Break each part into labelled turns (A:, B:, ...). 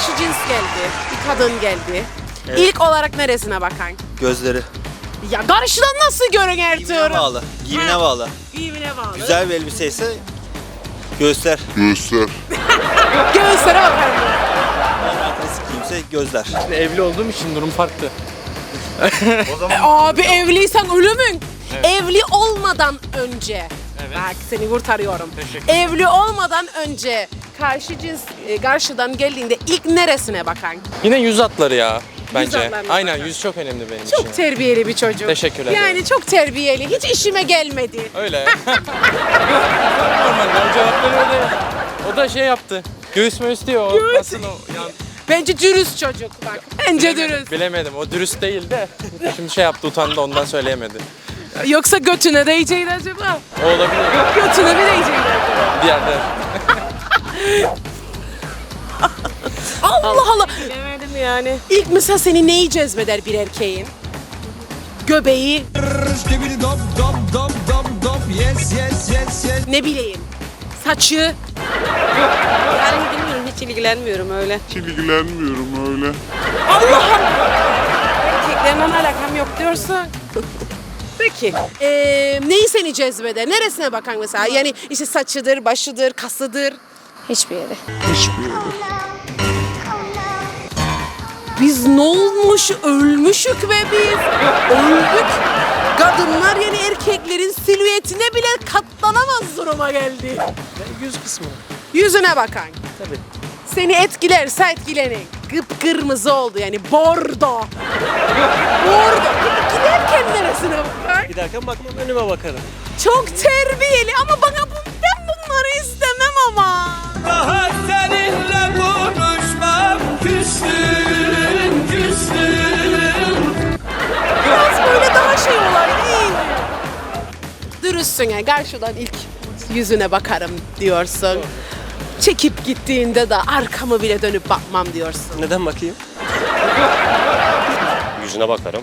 A: cins geldi. Bir kadın geldi.
B: Evet.
A: İlk olarak neresine bakan?
B: Gözleri.
A: Ya karşıdan nasıl görün
B: Giyimine
A: Ertuğrul?
B: bağlı. Giyimine
A: Ha.
B: bağlı.
A: Giyimine bağlı.
B: Güzel bir elbise ise göğüsler.
A: Göğüslere bakarım.
B: Normal klasik giyimse gözler.
C: Evli olduğum için durum farklı.
B: O zaman
A: Abi evliysen ölümün. Evli olmadan önce. Bak seni kurtarıyorum.
C: Teşekkür
A: Evli olmadan önce karşı cins karşıdan geldiğinde ilk neresine bakan?
C: Yine yüz hatları ya bence.
A: hatlarına
C: Aynen
A: bakar.
C: yüz çok önemli benim
A: Çok
C: için.
A: terbiyeli bir çocuk.
C: Teşekkürler.
A: Yani çok terbiyeli. Hiç işime gelmedi.
C: Öyle. Normal o cevapları öyle. O da şey yaptı. Göğüs möğüs diyor. O
A: Göğüs.
C: nasıl o? Yani,
A: Bence dürüst çocuk bak. Bence dürüst.
C: bilemedim. O dürüst değil de. Şimdi şey yaptı utandı ondan söyleyemedi.
A: Yoksa götüne değecekti acaba?
C: O olabilir.
A: Götüne mi değecekti acaba?
C: Diğerde.
A: Allah Allah.
D: Bilemedim yani.
A: İlk mesela seni neyi cezbeder bir erkeğin? Göbeği, ne bileyim, saçı.
D: Yani bilmiyorum, hiç ilgilenmiyorum öyle.
A: Allah'ım! Erkeklerle alakam yok diyorsun. Peki, neyi seni cezbeder? Neresine bakan mesela? Yani işte saçıdır, başıdır, kasıdır.
D: Hiçbir yere.
A: Biz ne olmuş? Ölmüşük be biz. Öldük. Kadınlar yani erkeklerin silüetine bile katlanamaz duruma geldi.
C: Yüz kısmı.
A: Yüzüne bakan.
C: Tabii.
A: Seni etkilerse etkilenin. Kıpkırmızı oldu yani bordo. Bordo. Peki giderken neresine bakar?
B: giderken bakmam önüme bakarım.
A: Çok terbiyeli ama ben bunları istemem ama.
E: Daha seninle konuşmam, küstüm.
A: Biraz böyle daha şey olay değil mi? Dürüstsün ya karşıdan ilk yüzüne bakarım diyorsun. Çekip gittiğinde de arkamı bile dönüp bakmam diyorsun.
B: Neden bakayım?
F: Yüzüne bakarım.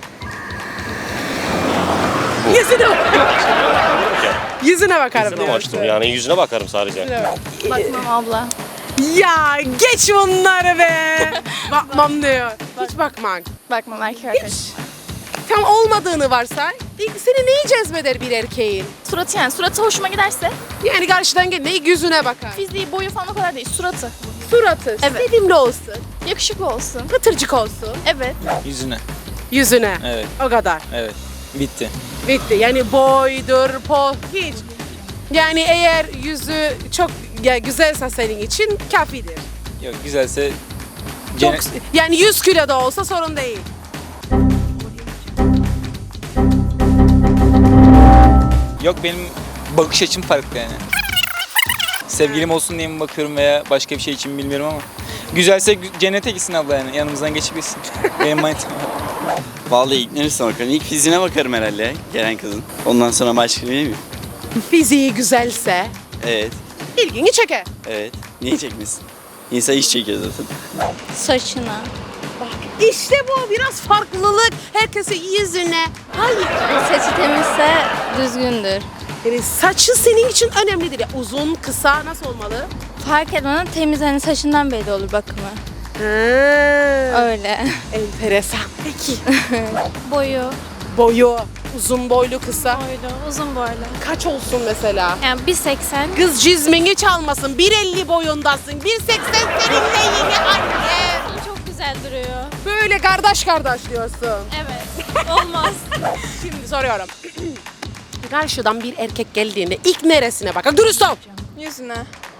A: Yüzüne Yüzüne bakarım
F: Yüzüne
A: diyorsun.
F: açtım yani yüzüne bakarım sadece.
D: Bakmam abla.
A: Ya geç bunları be. Bakmam diyor. Hiç bakman.
D: Bakmam erkek arkadaş.
A: Tam olmadığını varsay. İlk seni neyi cezbeder bir erkeğin?
D: Suratı yani. Suratı hoşuma giderse.
A: Yani karşıdan gel neyi yüzüne bakar.
D: Fiziği, boyu falan o kadar değil. Suratı.
A: Suratı.
D: Evet.
A: Sevimli olsun.
D: Yakışıklı olsun.
A: Pıtırcık olsun.
D: Evet.
G: Yüzüne.
A: Yüzüne.
G: Evet.
A: O kadar.
G: Evet. Bitti.
A: Bitti. Yani boydur, hiç. Yani eğer yüzü çok güzelse senin için kafidir.
G: Yok güzelse
A: Çok, yani 100 kilo da olsa sorun değil.
G: Yok benim bakış açım farklı yani. Sevgilim olsun diye mi bakıyorum veya başka bir şey için mi bilmiyorum ama. Güzelse cennete gitsin abla yani yanımızdan geçip gitsin. Benim manitam.
H: Vallahi ilk neresine bakarım? İlk fiziğine bakarım herhalde gelen kızın. Ondan sonra başka değil mi?
A: Fiziği güzelse
H: Evet,
A: ilgini çeker.
H: evet. Niye çekmesin? İnsan iş çekiyor zaten.
D: Saçına.
A: İşte bu biraz farklılık. Herkesin yüzüne. Hayır.
D: Saçı temizse düzgündür.
A: Yani saçı senin için önemlidir. Ya, uzun, kısa nasıl olmalı?
D: Fark etmeden temiz, hani saçından belli olur bakımı. Öyle.
A: Enteresan. Peki.
D: Boyu.
A: Boyu, uzun boylu, kısa.
D: Boylu, uzun boylu.
A: Kaç olsun mesela?
D: Yani 1.80.
A: Kız cizmini çalmasın. 1.50 boyundasın. 1.80 seninle yeni anne.
D: Çok güzel duruyor.
A: Böyle kardeş diyorsun.
D: Evet. Olmaz.
A: Şimdi soruyorum. Karşıdan bir erkek geldiğinde ilk neresine bakar? Dürüst ol.
D: Yüzüne.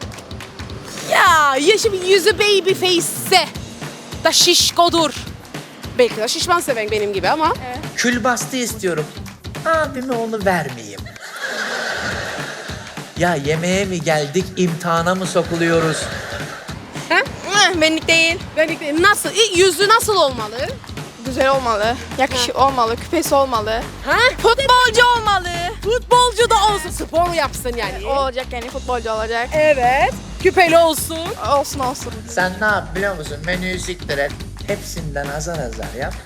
A: Ya şimdi yüzü baby face'se da şişkodur. Belki de şişman seven benim gibi ama.
I: Külbastı istiyorum. Abime onu vermeyeyim. Ya yemeğe mi geldik, imtihana mı sokuluyoruz?
D: Benlik değil.
A: Belki nasıl? Yüzü nasıl olmalı?
D: Güzel olmalı. Yakışıklı olmalı. Küpesi olmalı.
A: Ha?
D: Futbolcu olmalı.
A: Futbolcu da olsun. Spor yapsın yani.
D: Olacak yani, futbolcu olacak.
A: Evet. Küpeli olsun.
D: Olsun olsun.
I: Sen ne yap biliyor musun? Menüyü siktir et. Hepsinden azar azar yap.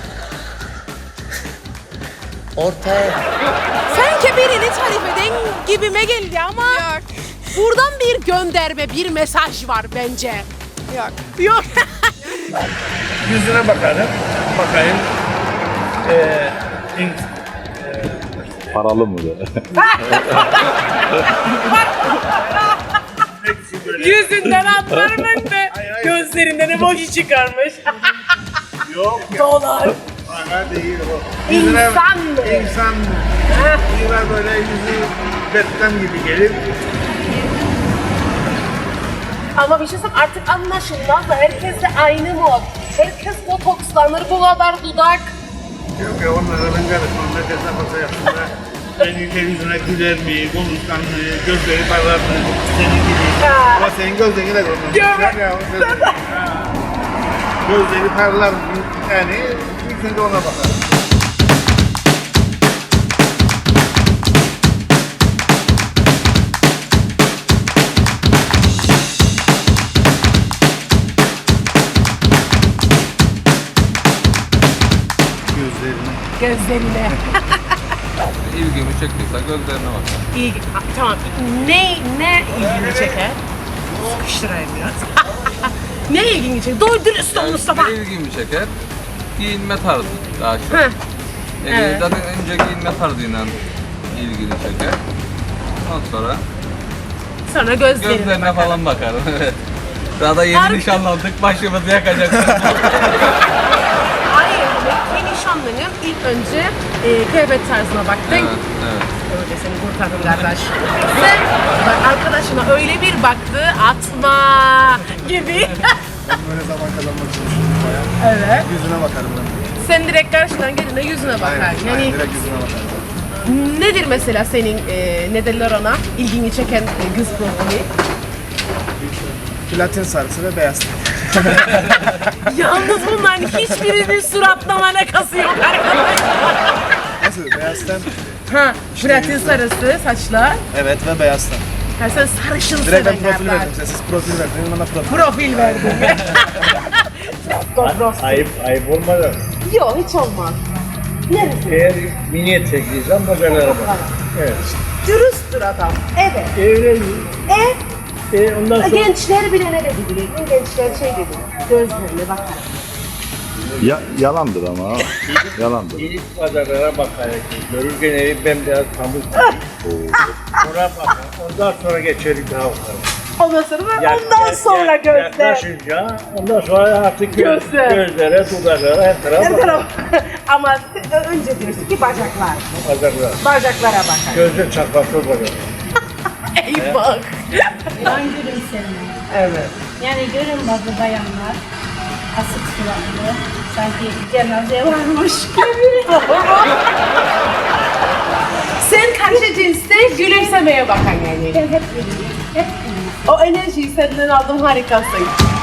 I: Ortaya yap.
A: Sanki birini tarif eden gibime geldi ama.
D: Yok.
A: Buradan bir gönderme, bir mesaj var bence.
D: Yok.
A: Yok.
E: Yüzüne bakarım. Bakayım.
J: Paralı mı?
A: Yüzünden anlarım be. Gözlerinden emoji çıkarmış.
E: Yok ya.
A: Dolar.
E: Para değil o.
A: İnsan mı?
E: İnsan mı? Biraz böyle yüzü betten gibi gelir.
A: Ama bir şey söyleyeyim, artık anlaşılmaz da herkes de aynı mod. Herkes botokslanır, bu kadar dudak.
E: Yok ya onlara ben karışmam. Ne dese basa yapsınlar. Senin yüzüne güler mi, konuşkan mı, gözleri parlar mı, senin gibi. Ama senin gözlerini de görmem. Gözleri parlar mı? Yani ilk önce ona bakarım.
A: Gözlerine.
C: İlgimi çektiyse gözlerine bakarım.
A: İyi. Tamam. Ne ilgini çeker? Sıkıştırayım biraz. Ne ilgini çeker? Doğru dürüst ol Mustafa.
C: Ne ilgimi çeker? Giyinme tarzı daha çok.
A: Heh. Evet.
C: Zaten önce giyinme tarzıyla ilgini çeker. Ondan
A: Sonra gözlerine
C: gözlerine falan bakarım. Evet. Daha da yeni nişanlandık, başımızı yakacaksın.
A: Hayır, ben nişanlıyım. İlk önce kıyafet tarzına baktın.
C: Evet, evet.
A: Öyle seni kurtardım kardeş. Sen bak, arkadaşına öyle bir baktı, atma gibi.
E: Böyle zaman kazanmak çalışıyorum bayağı.
A: Evet.
E: Yüzüne bakarım ben.
A: Sen direkt karşıdan gelince yüzüne bakar. Yani
E: direkt yüzüne bakarım.
A: nedir mesela senin ne derler ona ilgini çeken kız profili?
E: Platin sarısı ve beyaz ten.
A: Yalnız bunların hiçbirinin suratlama alakası yok arkadaşlar.
E: Nasıl? Beyaz ten?
A: Ha, platin sarısı saçlar.
E: Evet ve beyaz ten.
A: Ha, sen sarışın
E: Direkt ben
A: seven
E: profil
A: kardeş.
E: verdim. Siz profil verdiniz, bana profil.
A: Profil verdin.
E: Ayıp olmadı.
A: Yok hiç olmaz. Neresi?
E: Eğer mini etekliysen bacalara bak. Evet.
A: Dürüsttür adam. Evet.
E: Öyleyim. Ondan sonra
A: Gençler bile ne dedi biliyorsun? Gençler şey dedi. Gözlerine bakar.
J: Yalandır ama. Yalandır.
E: ilk bacalara bakarak görürken evi bembeyaz pamuk. Sonra bakar. Ondan sonra geçelim daha bakalım.
A: Ondan sonra ondan sonra gözler.
E: Yaklaşınca ondan sonra artık
A: Gözler.
E: gözlere, dudaklara her tarafa
A: Her
E: bakar.
A: taraf. Ama önce diyorsun ki bacaklar.
E: Bacaklar.
A: Bacaklara bakar.
E: Gözler çarpaklı bacak.
A: Ey bak.
K: Ben gülümserim.
A: Evet.
K: Yani görün bazı bayanlar asık suratlı, sanki cenaze varmış gibi.
A: Sen karşı cinste gülümsemeye bakan yani.
K: Ben hep gülüyorum, hep gülüyorum.
A: O enerjiyi senden aldım, harikasın.